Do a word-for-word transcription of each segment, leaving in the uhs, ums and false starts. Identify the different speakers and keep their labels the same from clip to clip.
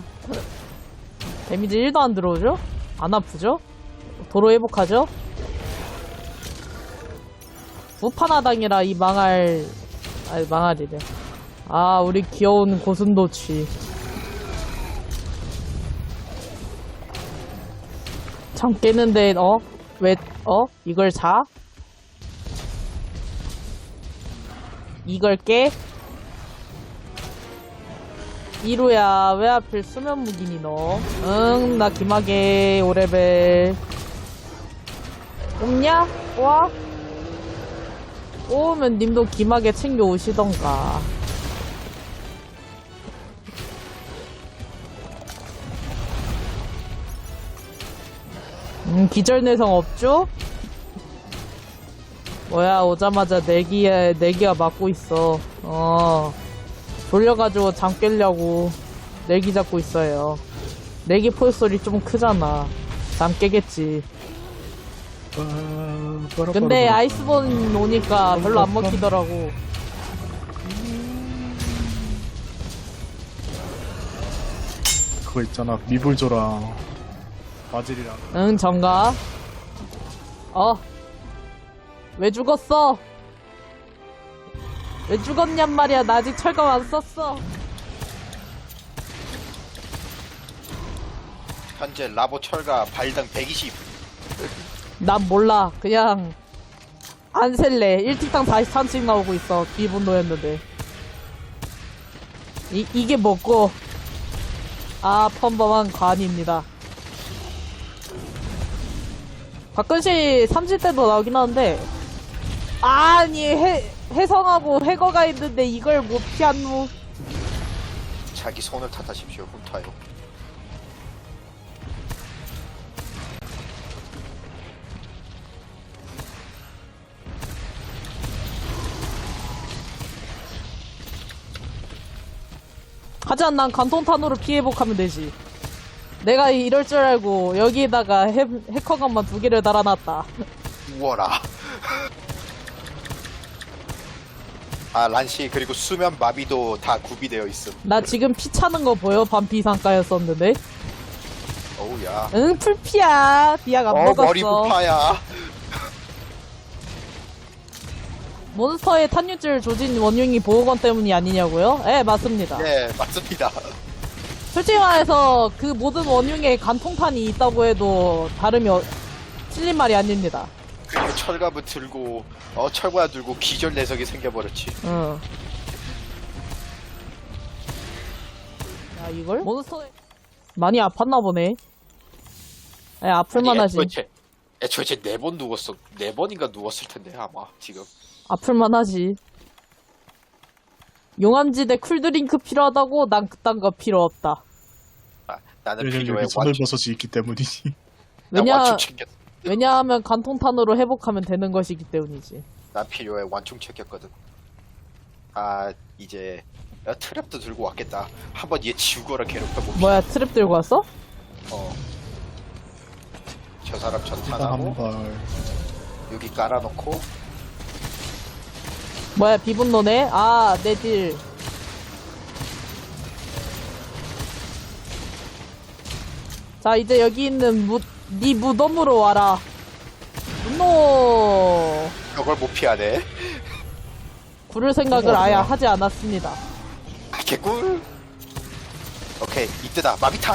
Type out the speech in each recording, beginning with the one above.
Speaker 1: 데미지 일도 안 들어오죠? 안 아프죠? 도로 회복하죠? 무판하당이라 이 망할, 아니 망할이래. 아, 우리 귀여운 고슴도치. 참 깨는데, 어? 왜, 어? 이걸 자? 이걸 깨? 이루야, 왜 하필 수면 무기니 너? 응, 나 김하게 오레벨. 없냐? 와? 오면 님도 김하게 챙겨 오시던가. 음, 기절내성 없죠? 뭐야, 오자마자 내기에, 내기가 맞고 있어. 어. 돌려가지고 잠 깨려고 내기 잡고 있어요. 내기 포효소리 좀 크잖아. 잠 깨겠지. 근데 아이스본 오니까 별로 안 먹히더라고.
Speaker 2: 그거 있잖아, 미불조랑 바질이랑.
Speaker 1: 응, 정가. 어. 왜 죽었어? 왜 죽었냔 말이야. 나 아직 철검 안 썼어.
Speaker 3: 현재 라보 철가 발당 백이십.
Speaker 1: 난 몰라. 그냥 안 셀래. 일 틱당 사십삼씩 나오고 있어. 비분노였는데. 이, 이게 뭐고? 아, 평범한 관입니다. 가끔씩 삼십 대도 나오긴 하는데, 아니, 해, 해성하고 해거가 있는데 이걸 못 피하노.
Speaker 3: 자기 손을 탓하십시오. 훔타요.
Speaker 1: 하지만 난 관통탄으로 피해복하면 되지. 내가 이럴 줄 알고 여기에다가 해, 해커건만 두 개를 달아놨다.
Speaker 3: 우워라. 아, 란시 그리고 수면 마비도 다 구비되어 있음.
Speaker 1: 나 지금 피 차는 거 보여? 반피 상가였었는데.
Speaker 3: 어우야.
Speaker 1: 응, 풀피야. 비약 안
Speaker 3: 어,
Speaker 1: 먹었어.
Speaker 3: 머리 부파야.
Speaker 1: 몬스터의 탄유질 조진 원흉이 보호건 때문이 아니냐고요? 예, 맞습니다.
Speaker 3: 네, 맞습니다.
Speaker 1: 솔직히 말해서 그 모든 원흉에 간통탄이 있다고 해도 다름이 어, 틀린 말이 아닙니다.
Speaker 3: 그리고 철갑을 들고 어 철과 들고 기절 내석이 생겨버렸지.
Speaker 1: 응. 야, 이걸? 몬스터에 많이 아팠나 보네. 예, 아플만 하지.
Speaker 3: 애초에, 애초에 네 번 누웠어. 네 번인가 누웠을 텐데 아마 지금.
Speaker 1: 아플만 하지. 용암지대 쿨드링크 필요하다고? 난 그딴 거 필요 없다.
Speaker 3: 아, 나는
Speaker 2: 왜냐면
Speaker 3: 필요해.
Speaker 2: 여기 소멸버섯이 있기 때문이지.
Speaker 3: 난
Speaker 1: 왜냐,
Speaker 3: 완충 챙겼.
Speaker 1: 왜냐하면 간통탄으로 회복하면 되는 것이기 때문이지.
Speaker 3: 난 필요해. 완충 챙겼거든. 아 이제 야, 트랩도 들고 왔겠다. 한번 얘 지우거라 괴롭혀봅시다.
Speaker 1: 뭐야, 트랩 들고 왔어?
Speaker 3: 어. 저 사람
Speaker 2: 일단
Speaker 3: 전탄하고
Speaker 2: 한 발.
Speaker 3: 여기 깔아놓고
Speaker 1: 뭐야, 비분노네? 아, 내 딜. 자, 이제 여기 있는 무, 네 무덤으로 와라. 분노!
Speaker 3: 저걸 못 피하네.
Speaker 1: 구를 생각을 아예 하지 않았습니다.
Speaker 3: 아, 개꿀. 오케이 이때다. 마비탄.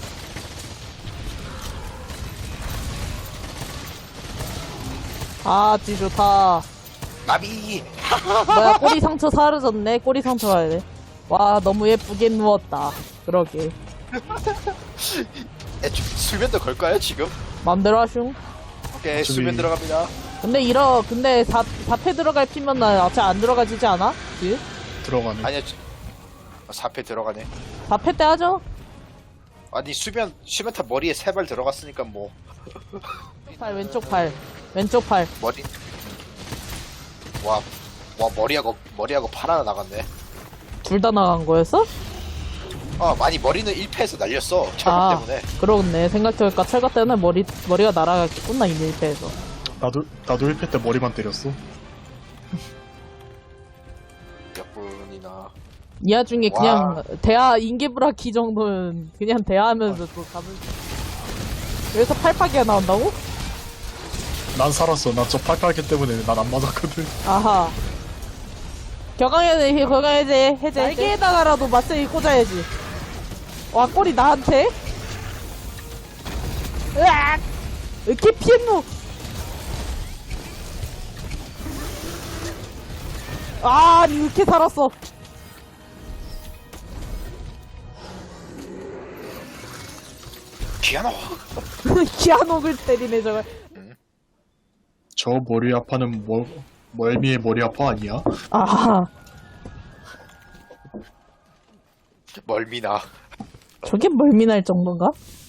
Speaker 1: 아, 지 좋다.
Speaker 3: 마비.
Speaker 1: 뭐야, 꼬리 상처 사라졌네. 꼬리 상처 가야 돼. 와, 너무 예쁘게 누웠다. 그러게.
Speaker 3: 애초 수면도 걸까요 지금?
Speaker 1: 맘대로 하슝.
Speaker 3: 오케이
Speaker 2: 저기-
Speaker 3: 수면 들어갑니다.
Speaker 1: 근데 이러, 근데 사, 사패 들어갈 피면 나 어차피 안 들어가지지 않아? 그?
Speaker 2: 들어가네.
Speaker 3: 아니야 사 패 들어가네.
Speaker 1: 사패 때 하죠?
Speaker 3: 아니 수면 수면탑 머리에 세 발 들어갔으니까 뭐
Speaker 1: 팔, 왼쪽 팔. 왼쪽 팔.
Speaker 3: 머리 와, 와 머리하고 머리하고 팔 하나 나갔네.
Speaker 1: 둘 다 나간 거였어?
Speaker 3: 아 많이 머리는 일 패에서 날렸어 철갑
Speaker 1: 아,
Speaker 3: 때문에.
Speaker 1: 그러네. 생각해보니까 철가 때문에 머리, 머리가 날아갔겠구나, 이 밀패에서.
Speaker 2: 나도 나도 일 패 때 머리만 때렸어.
Speaker 3: 몇 분이나
Speaker 1: 이 와중에
Speaker 3: 와.
Speaker 1: 그냥 대하 인계브라키 정도는 그냥 대하하면서 또 잡을 여기서 팔파기가 나온다고?
Speaker 2: 난 살았어. 나 저 팔팔기 때문에 난 안 맞았거든.
Speaker 1: 아하. 격앙해제, 격앙해제, 해제. 날개에다가라도 마세이 꽂아야지. 와, 꼬리 나한테? 으악! 이렇게 피했노? 아, 아니, 이렇게 살았어.
Speaker 3: 기아노.
Speaker 1: 기아녹을 때리네, 저걸.
Speaker 2: 저 머리 아파는 뭐, 멀미의 머리 아파 아니야?
Speaker 1: 아하.
Speaker 3: 멀미나.
Speaker 1: 저게 멀미날 정도인가?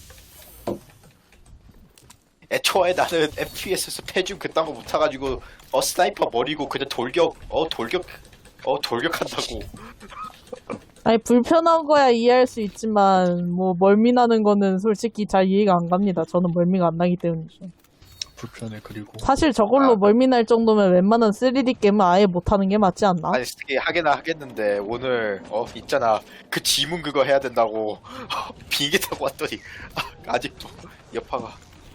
Speaker 3: 애초에 나는 에프피에스에서 패줌 그딴 거 못타가지고 어 스나이퍼 머리고 그냥 돌격 어 돌격 어 돌격한다고.
Speaker 1: 아니, 불편한 거야 이해할 수 있지만, 뭐, 멀미나는 거는 솔직히 잘 이해가 안 갑니다. 저는 멀미가 안 나기 때문이죠.
Speaker 2: 불편해. 그리고
Speaker 1: 사실 저걸로
Speaker 3: 아.
Speaker 1: 멀미날 정도면 웬만한 쓰리디 게임은 아예 못하는 게 맞지 않나?
Speaker 3: 아니 스틱이 하긴 하겠는데 오늘 어 있잖아 그 지문 그거 해야 된다고 비행기 타고 왔더니 아, 아직도 여파가.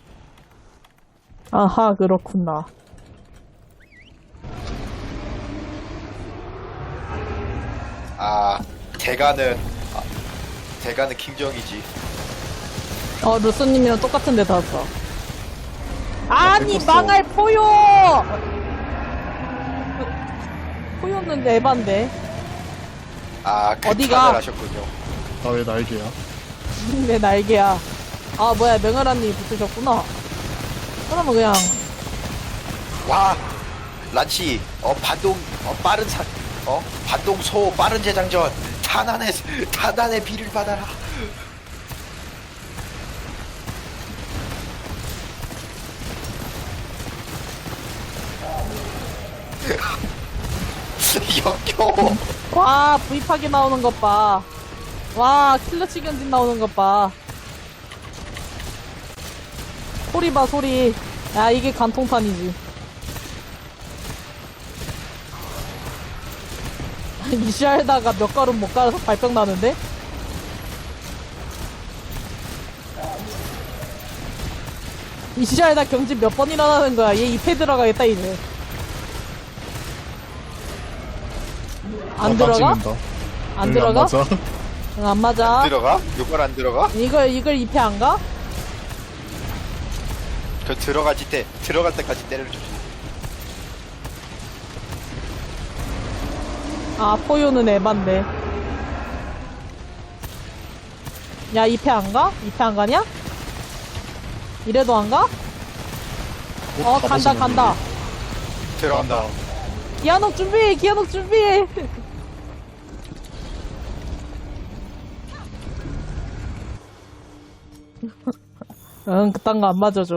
Speaker 1: 아하, 그렇구나.
Speaker 3: 아 대가는 아, 대가는 킹정이지.
Speaker 1: 어, 루스님이랑 똑같은 데 닿았어. 아니,
Speaker 2: 뺏겼어.
Speaker 1: 망할 포효! 포효는 에반데.
Speaker 3: 아
Speaker 1: 어디가?
Speaker 3: 극찬을 하셨군요.
Speaker 2: 나 왜 날개야?
Speaker 1: 내 날개야. 아, 뭐야, 명아라님 붙으셨구나. 그러면 그냥,
Speaker 3: 와 란치 어 반동 어 빠른 사 어 반동 소 빠른 재장전 탄환의 탄환의 비를 받아라. 역겨워.
Speaker 1: 와, 브이팍이 나오는 것 봐. 와, 킬러치 견진 나오는 것 봐. 소리 봐, 소리. 야, 이게 간통판이지. 이시알다가 몇 걸음 못 가서 발병 나는데? 이시알다 경진 몇 번 일어나는 거야. 얘 이 패 들어가겠다, 이제. 안
Speaker 2: 아, 나
Speaker 1: 들어가?
Speaker 2: 찍는다.
Speaker 1: 안
Speaker 2: 응,
Speaker 1: 들어가?
Speaker 2: 맞아.
Speaker 1: 응, 안 맞아.
Speaker 3: 들어가? 이걸 안 들어가?
Speaker 1: 이걸, 이걸 이 패 안 가?
Speaker 3: 그 들어가지 때 들어갈 때까지 때려줘.
Speaker 1: 아, 포효는 에반데. 야, 이 패 안 가? 이 패 안 가냐? 이래도 안 가? 어, 간다, 간다.
Speaker 3: 들어간다.
Speaker 1: 기아녹 준비해, 기아녹 준비해. 응, 그딴 거 안 맞아줘.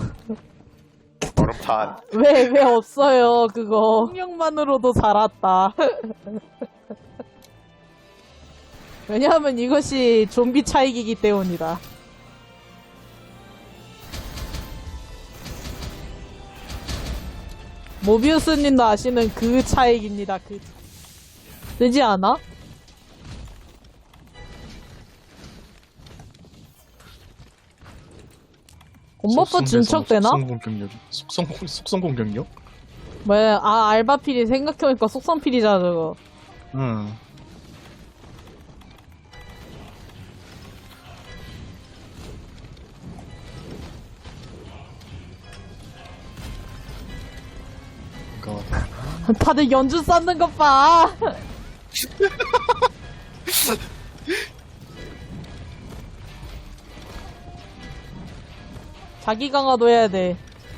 Speaker 3: 얼음탄.
Speaker 1: 왜, 왜 없어요, 그거. 능력만으로도 살았다. 왜냐하면 이것이 좀비 차익이기 때문이다. 모비우스님도 아시는 그 차익입니다, 그. 되지 않아? 곰버프 진척되나?
Speaker 2: 속성 공격력. 속성 속성 공격력?
Speaker 1: 뭐야, 아, 알바필이 생각해보니까 속성필이잖아, 저거.
Speaker 2: 응. 그러니까
Speaker 1: 다들 연주 쌓는 것 봐. 자기 강화도 해야 돼.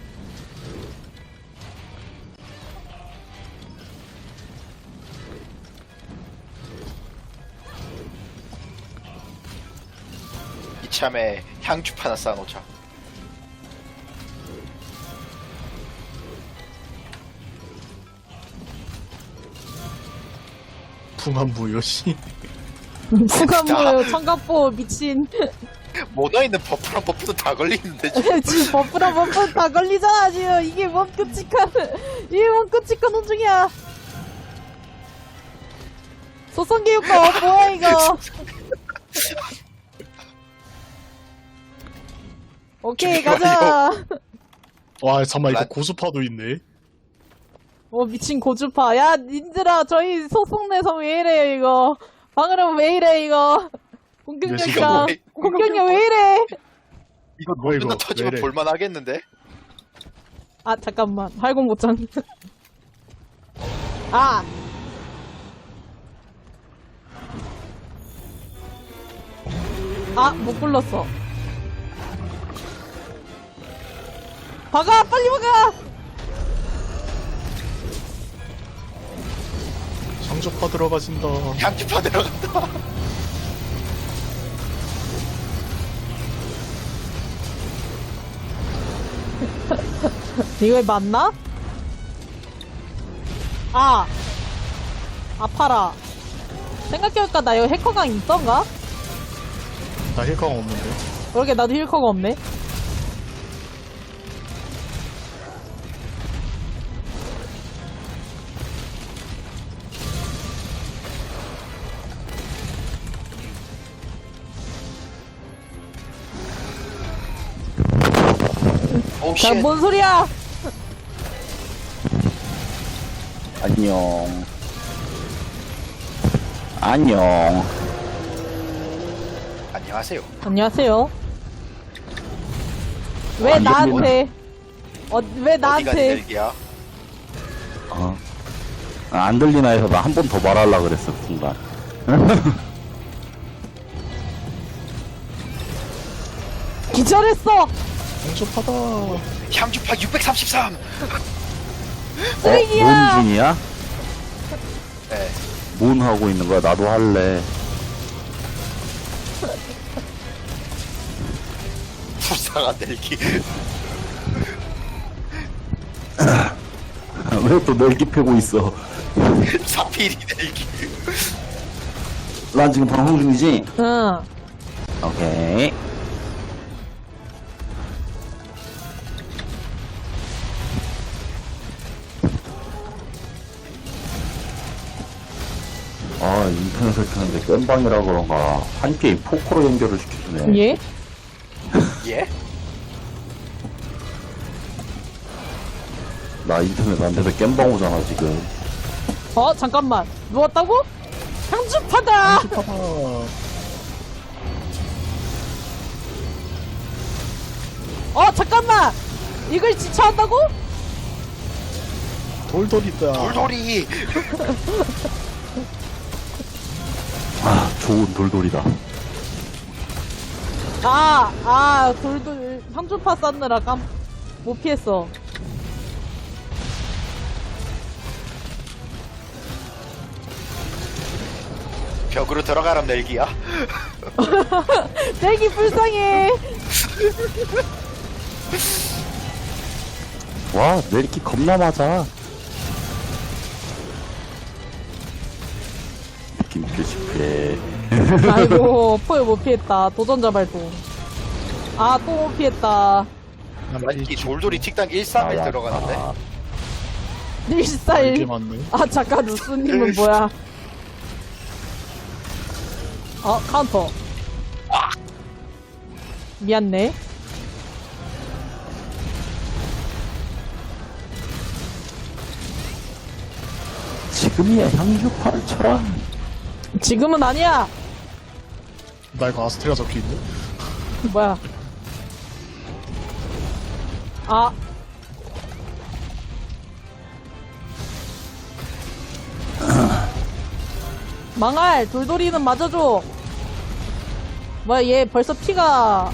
Speaker 3: 이참에 향주파 하나 쌓아놓자.
Speaker 2: 풍한부 요시.
Speaker 1: 수감무요, 청각보 미친.
Speaker 3: 모너있는 버프랑 버프도 다 걸리는데
Speaker 1: 지금 버프랑 버프 다 걸리잖아, 지금. 이게 뭔 끔찍한, 이게 뭔 끔찍한 혼중이야. 소성기 효과 뭐야 이거? 오케이 가자.
Speaker 2: 와 잠깐만 이거
Speaker 3: 란-
Speaker 2: 고수파도 있네.
Speaker 1: 어 미친 고주파. 야 님들아 저희 소속내서 왜 이래요 이거? 방으로 왜 이래 이거? 공격력이야.
Speaker 3: 이거 왜-
Speaker 1: 공격력 왜 이래?
Speaker 3: 이거
Speaker 2: 뭐야, 이거?
Speaker 3: 누나 터지면
Speaker 2: 왜 이래?
Speaker 3: 볼만하겠는데?
Speaker 1: 아 잠깐만 활공 못장. 아. 아, 못 불렀어. 박아! 빨리 박아!
Speaker 2: 상조파 들어가신다.
Speaker 3: 향주파 들어간다.
Speaker 1: 이거 맞나? 아! 아파라. 생각해보니까 나 이거 해커강 있던가?
Speaker 2: 나 힐강 없는데.
Speaker 1: 그러게 나도 힐커가 없네.
Speaker 3: 오
Speaker 1: 자,
Speaker 3: 쉣.
Speaker 1: 뭔 소리야?
Speaker 4: 안녕. 안녕.
Speaker 3: 안녕하세요.
Speaker 1: 안녕하세요. 왜
Speaker 4: 아, 이거
Speaker 1: 나한테? 어, 왜
Speaker 3: 어디가
Speaker 1: 나한테?
Speaker 3: 내리기야?
Speaker 4: 어. 아, 안 들리나 해서 나 한 번 더 말하려고 그랬어, 순간.
Speaker 1: 기절했어!
Speaker 2: 상조파다.
Speaker 3: 향주파 육백삼십삼.
Speaker 1: 쓰레기야!
Speaker 4: 어, 뭔 중이야?
Speaker 3: 네.
Speaker 4: 뭔 하고 있는 거야? 나도 할래.
Speaker 3: 불쌍한 넬기.
Speaker 4: 왜 또 넬기 패고 있어?
Speaker 3: 사피리 넬기.
Speaker 4: 난 지금 방송 중이지?
Speaker 1: 응.
Speaker 4: 오케이. 아, 인터넷을 켰는데 깸방이라 그런가. 한 게임 포커로 연결을 시켜주네.
Speaker 1: 예?
Speaker 3: 예?
Speaker 4: 나 인터넷 안 돼서 깸방 오잖아, 지금.
Speaker 1: 어, 잠깐만. 누웠다고? 향주파다!
Speaker 2: 상조파다.
Speaker 1: 어, 잠깐만! 이걸 지쳐한다고?
Speaker 2: 돌돌이다.
Speaker 3: 돌돌이.
Speaker 4: 아, 좋은 돌돌이다.
Speaker 1: 아, 아, 돌돌, 향주파 쌌느라 깜, 못 피했어.
Speaker 3: 벽으로 들어가람 넬기야.
Speaker 1: 떼기 불쌍해!
Speaker 4: 와, 넬기 겁나 맞아. 느낌 표시패.
Speaker 1: 아이고, 포에 못 피했다. 도전자 발동. 아, 또 못 피했다.
Speaker 3: 이 돌돌이 tik당 일삼일 들어가는데.
Speaker 2: 이게
Speaker 1: 일사일.
Speaker 2: 맞네.
Speaker 1: 아, 잠깐, 루스님은 뭐야? 어, 카운터. 미안네.
Speaker 4: 지금이야 향주파를 쳐라.
Speaker 1: 지금은 아니야!
Speaker 2: 나 이거 아스테라 적혀있네.
Speaker 1: 뭐야. 아. 망할! 돌돌이는 맞아줘! 뭐야, 얘 벌써 피가.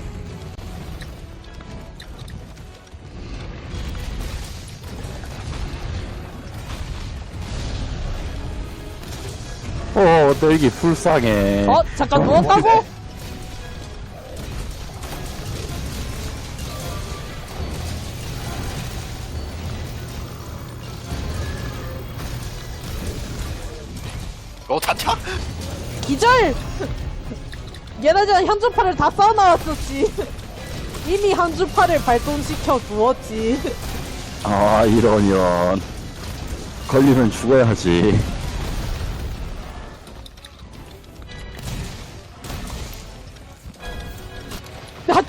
Speaker 4: 어, 넬기 불쌍해.
Speaker 1: 어? 잠깐 누웠다고?
Speaker 3: 어 단차?
Speaker 1: 기절! 얘네들 향주파를 다 쌓아놨었지. 이미 향주파를 발동시켜 두었지.
Speaker 4: 아, 이러면 걸리면 죽어야지.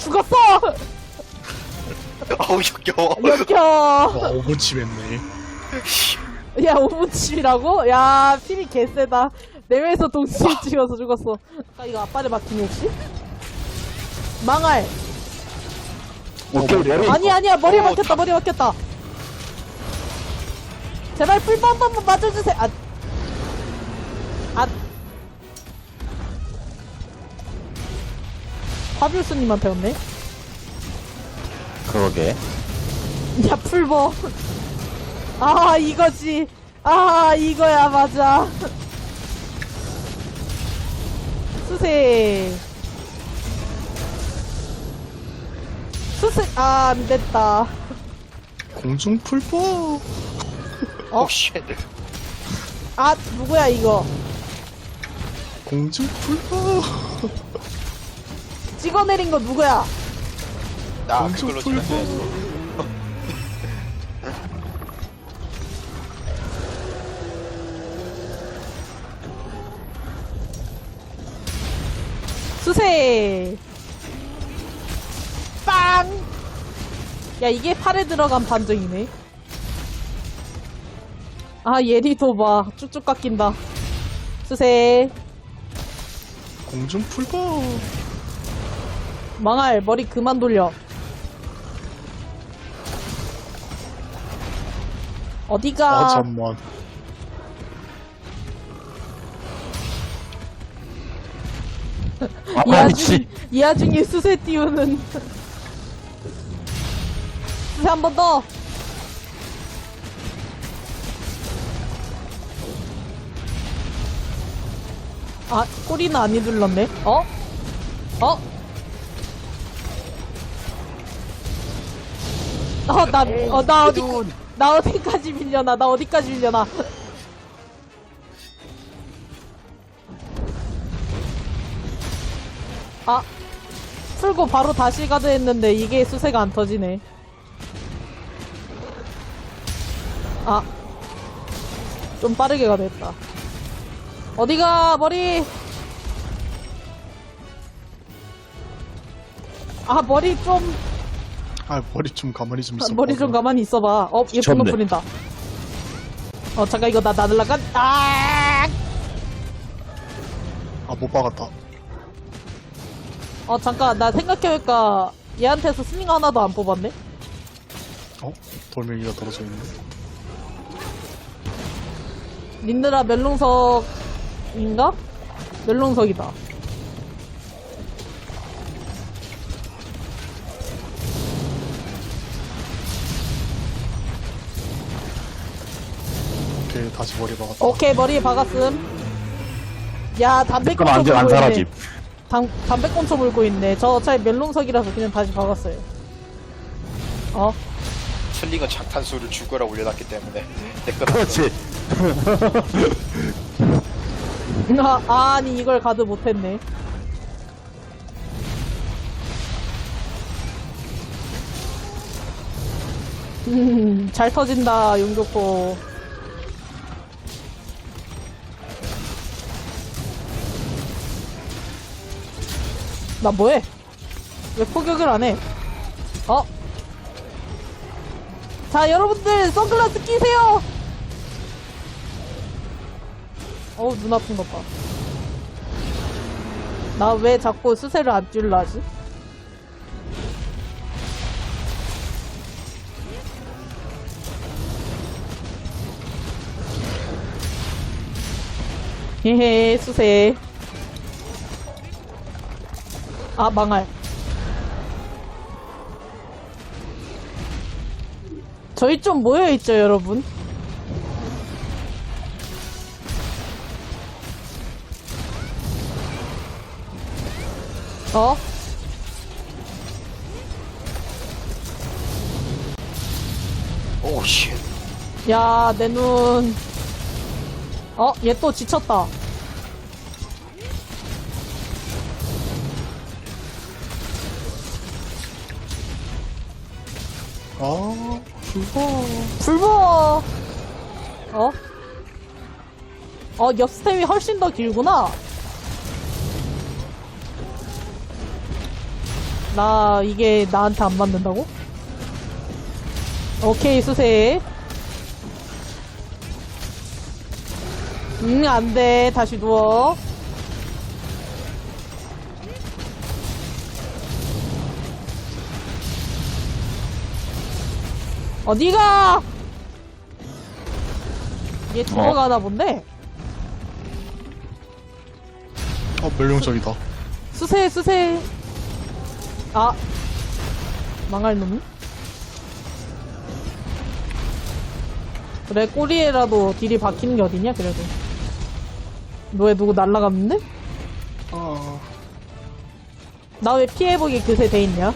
Speaker 1: 죽었어!
Speaker 3: 어우 역겨워.
Speaker 1: 역겨!
Speaker 2: 와, 오버치 했네.
Speaker 1: 야, 오분칩이라고? 야, 필이 개쎄다. 내외에서 동시에 찍어서 죽었어. 아, 이거 아빠를 막히니, 혹시? 망할.
Speaker 4: 오케이, 머리.
Speaker 1: 아니, 아니야, 머리에
Speaker 3: 어,
Speaker 1: 막혔다, 머리에 막혔다. 제발 풀 한 번만 맞아주세요. 아. 아. 파비우스님한테 왔네?
Speaker 4: 그러게.
Speaker 1: 야, 풀버. 아, 이거지. 아, 이거야, 맞아. 수세. 수세, 아, 안 됐다.
Speaker 2: 공중 풀보.
Speaker 1: 어?
Speaker 3: 오 쉣.
Speaker 1: 아, 누구야, 이거.
Speaker 2: 공중 풀보.
Speaker 1: 찍어내린 거 누구야?
Speaker 3: 나
Speaker 2: 공중
Speaker 3: 그걸로 치면
Speaker 2: 풀보.
Speaker 3: 돼.
Speaker 1: 수세. 빵! 야, 이게 팔에 들어간 반정이네. 아, 예리도 봐. 쭉쭉 깎인다. 수세.
Speaker 2: 공중 풀보.
Speaker 1: 망할, 머리 그만 돌려. 어디가?
Speaker 2: 아, 잠만.
Speaker 1: 이
Speaker 4: 아,
Speaker 1: 와중,
Speaker 4: 씨.
Speaker 1: 이 와중에 수세 띄우는. 수세 한 번 더. 아, 꼬리는 안 휘둘렀네. 어? 어? 어, 나, 어, 나 어디, 나 어디까지 밀려나, 나 어디까지 밀려나. 아, 풀고 바로 다시 가드 했는데 이게 수세가 안 터지네. 아, 좀 빠르게 가드 했다. 어디가, 머리! 아, 머리 좀,
Speaker 2: 아, 머리 좀 가만히 좀
Speaker 1: 아,
Speaker 2: 있어.
Speaker 1: 머리 좀 가만히 있어봐. 어, 예쁜
Speaker 4: 미쳤네.
Speaker 1: 거 뿌린다. 어, 잠깐, 이거 나, 나 날라간, 아!
Speaker 2: 아, 못 박았다.
Speaker 1: 어, 잠깐, 나 생각해보니까 얘한테서 스밍 하나도 안 뽑았네?
Speaker 2: 어? 돌멩이가 떨어져 있네.
Speaker 1: 린드라 멜롱석인가? 멜롱석이다.
Speaker 2: 오케이, 다시 머리 박았다.
Speaker 1: 오케이, 머리에 박았음. 야,
Speaker 4: 그럼
Speaker 1: 담배꽁초
Speaker 4: 안, 안
Speaker 1: 물고
Speaker 4: 사라짐.
Speaker 1: 있네. 담, 담배꽁초 물고 있네. 저 어차피 멜롱석이라서 그냥 다시 박았어요. 어?
Speaker 3: 슬링은 장탄수를 죽어라 올려놨기 때문에 내꺼.
Speaker 4: 그렇지.
Speaker 1: 아, 아니, 이걸 가드 못했네. 음, 잘 터진다, 용교포. 나 뭐해? 왜 포격을 안 해? 어? 자, 여러분들, 선글라스 끼세요! 어우, 눈 아픈 것 봐. 나 왜 자꾸 수세를 안 뛸라 하지? 헤헤, 수세. 아, 망할. 저희 좀 모여있죠, 여러분? 어?
Speaker 3: 오 쉣.
Speaker 1: 야, 내 눈. 어, 얘 또 지쳤다.
Speaker 2: 아, 풀보.
Speaker 1: 불보! 어? 어, 옆 스텝이 훨씬 더 길구나. 나 이게 나한테 안 맞는다고? 오케이 수세. 응 안돼 다시 누워. 어디가? 얘 죽어가나 본데?
Speaker 2: 어, 멸룡적이다.
Speaker 1: 수세 수세. 아 망할 놈. 그래 꼬리에라도 딜이 박히는 게 어디냐 그래도. 너 왜 누구 날라갔는데?
Speaker 2: 아,
Speaker 1: 나 왜 피해보기 그새 돼있냐?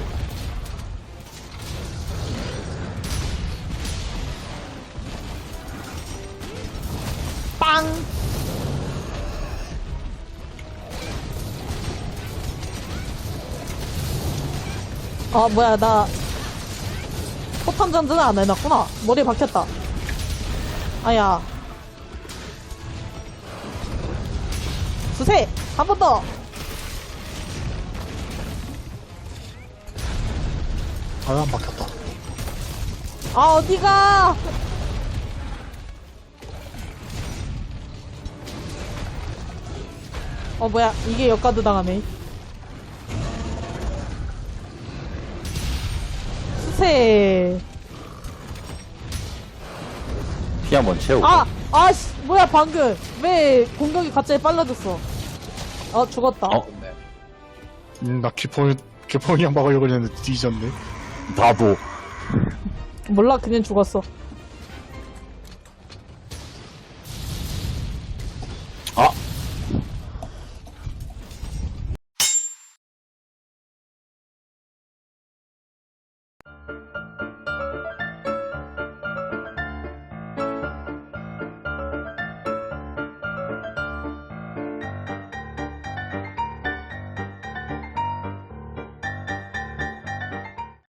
Speaker 1: 빵! 아 뭐야 나 포탄 전전을 안 해놨구나. 머리에 박혔다. 아야 수세! 한 번 더!
Speaker 2: 아, 안 박혔다.
Speaker 1: 아 어디가? 어 뭐야 이게 역가드 당하네. 수세.
Speaker 4: 피 한번 채우고.
Speaker 1: 아! 아씨 뭐야 방금 왜 공격이 갑자기 빨라졌어. 어 죽었다.
Speaker 4: 어?
Speaker 2: 음, 나 기포, 기포이랑 막으려고 했는데 뒤졌네.
Speaker 4: 나도.
Speaker 1: 몰라 그냥 죽었어.